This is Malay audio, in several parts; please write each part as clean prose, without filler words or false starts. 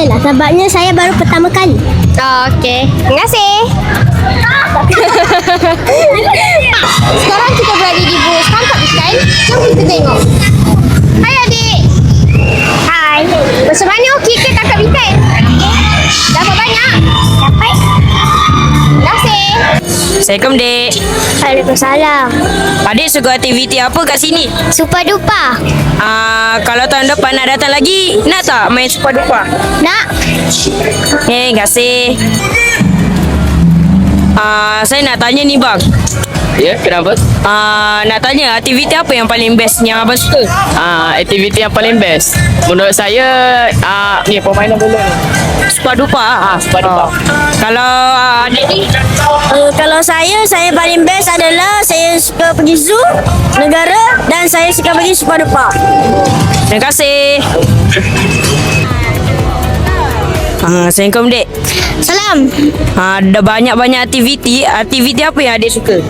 saya lah. Sebabnya saya baru pertama kali. Okey. Terima kasih. Sekarang kita berada di bus tangkap ikan. Jom kita tengok. Hai adik. Hai. Macam mana kita tangkap ikan? Dapat banyak? Dapat. Terima kasih. Assalamualaikum, Dek. Waalaikumsalam. Adik suka aktiviti apa kat sini? Super duper. Kalau tahun depan nak datang lagi, nak tak main super duper? Nak? Terima kasih. Saya nak tanya ni bang. Ya, kenapa? Nak tanya aktiviti apa yang paling best yang abang suka? Aktiviti yang paling best menurut saya ni permainan bola ni. Super duper. Super duper. Kalau adik ni? Kalau saya paling best adalah saya suka pergi zoo, negara dan saya suka pergi super duper. Terima kasih. Assalamualaikum, Dek. Salam. Ada banyak-banyak aktiviti. Aktiviti apa yang adik suka?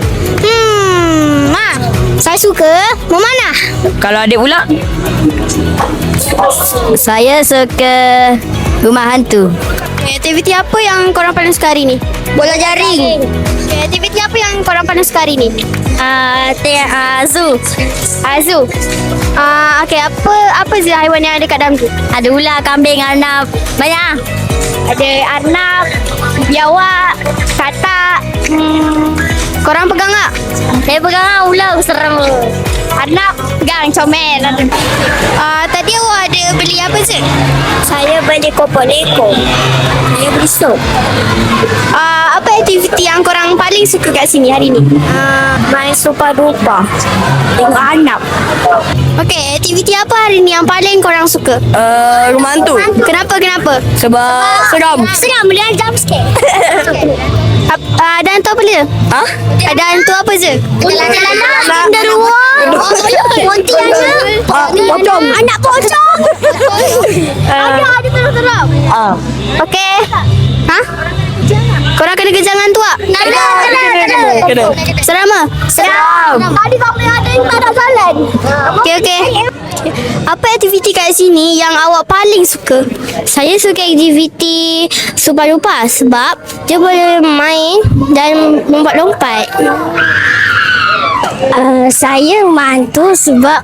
Saya suka memanah. Kalau adik pula? Saya suka rumah hantu. Aktiviti apa yang korang paling suka hari ni? Bola jaring. Aktiviti apa yang korang paling suka hari ni? Zoo. Zoo. Okey, apa je haiwan yang ada kat dalam tu? Ada ular, kambing, arnab. Banyak. Ada arnab, biawak, katak. Korang pegang tak? Saya pegang ular serem. Arnab pegang, comel. Tadi awak ada beli apa je? Saya beli kopok leko. Saya beli sup. Apa aktiviti yang korang paling suka kat sini hari ni? Main super duper. Tengok anak. Okey, aktiviti apa hari ni yang paling korang suka? Rumah hantu. Kenapa? Sebab seram. Seram dia jump scare. Ada hantu apa je? Ada hantu apa je? Genderuwo. Pontianak. Pocong. Anak pocong. Ada terang-terang. Okey. Korang kena kejar hantu tak? Kena. Seram tak? Seram. Tadi kami ada yang tak ada jalan. Okey. Apa aktiviti kat sini yang awak paling suka? Saya suka aktiviti super duper sebab dia boleh main dan lompat-lompat. Saya mantu sebab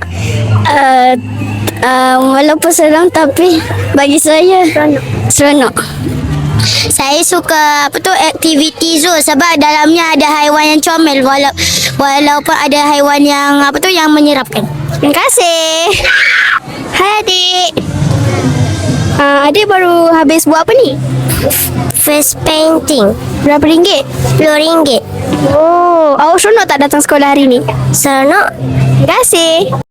walaupun seram tapi bagi saya seronok. Saya suka aktiviti zoo sebab dalamnya ada haiwan yang comel walaupun ada haiwan yang yang menyeramkan. Terima kasih. Hai adik. Adik baru habis buat apa ni? Face painting. Berapa ringgit? RM10. Oh, awak seronok tak datang sekolah hari ni? Seronok. Terima kasih.